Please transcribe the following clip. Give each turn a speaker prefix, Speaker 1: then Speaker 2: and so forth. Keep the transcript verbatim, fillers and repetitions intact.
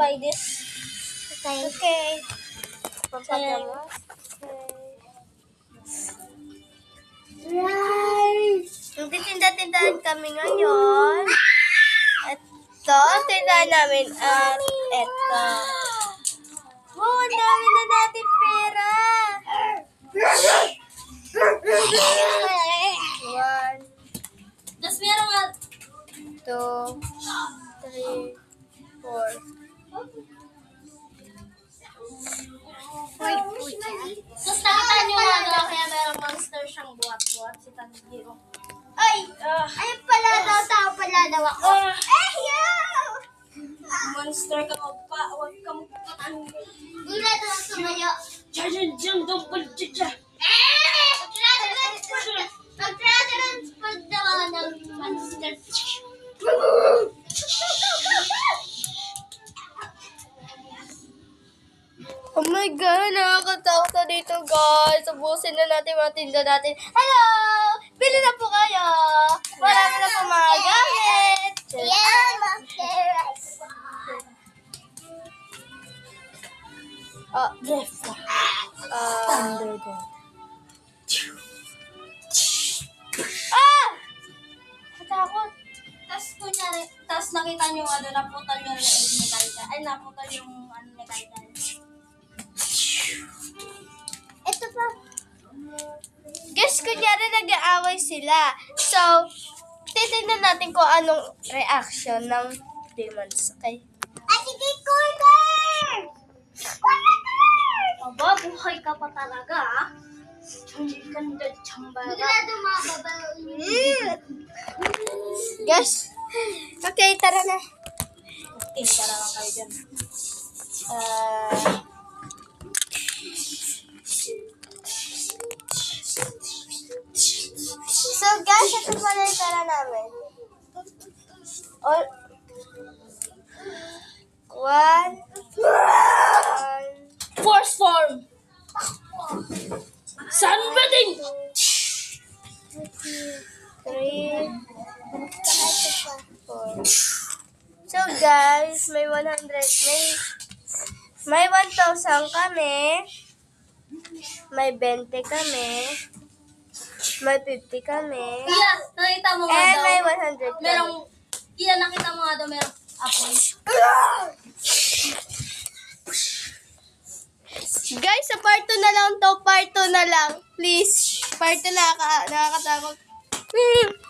Speaker 1: try this.
Speaker 2: Okay.
Speaker 1: Okay.
Speaker 2: Pampagamas.
Speaker 1: Right. Hindi tinda-tindahan kami ngayon. Ito, tindahan namin at ito. Wow, ang dami na natin pera. One,
Speaker 2: Tapos meron nga,
Speaker 1: two, three, four.
Speaker 2: Uy, uy. Tapos nakita niyo nga daw, kaya meron monster siyang buhat-buhat, si Tanjiro.
Speaker 1: Ay! ah,
Speaker 2: Ay, pala daw, tao pala daw ako.
Speaker 1: ah,
Speaker 2: Eh, yo! Monster ka pa, huwag ka magpatangin. Gula daw ang sumayo.
Speaker 1: Diyan, diyan, double dyan.
Speaker 2: Eh! Mag-transfer mag-transfer daw ako ng monster.
Speaker 1: Oh my God, nakakatakot na dito, guys. Ubusin na natin mga tinda natin. Hello! Bili na po kayo! Marami na po mga gamit!
Speaker 2: Yeah, monster.
Speaker 1: Ah, drift. Ah, Ah! Natakot.
Speaker 2: Tapos kunyari, tapos nakita nyo nga doon, naputol yung leeg ni Kaidan. Ay, naputol yung ano ni Kaidan. Ito pa.
Speaker 1: Guys, kunyari nag-aaway sila. So, titignan natin kung anong reaction ng demons. Okay?
Speaker 2: Ay, sige, corner! Aba, buhay ka pa talaga, ah.
Speaker 1: Hindi ganda tsambara.
Speaker 2: Bigla dumababa.
Speaker 1: Guys, okay, tara na.
Speaker 2: Okay, tara lang kayo dyan.
Speaker 1: Ah... So guys, ito pala yung tara namin. All... One... One...
Speaker 2: Force form! Sunbathing!
Speaker 1: Three... Four... So guys, may one hundred... May... May one thousand kami. May twenty kami. May fifty kami.
Speaker 2: Iya, nakita mo nga
Speaker 1: And
Speaker 2: daw.
Speaker 1: may one hundred kami.
Speaker 2: Merong, iya, nakita mo nga daw, merong apoy.
Speaker 1: Guys, sa part two na lang to. Part two na lang. Please. Part two na. Nakakatakot.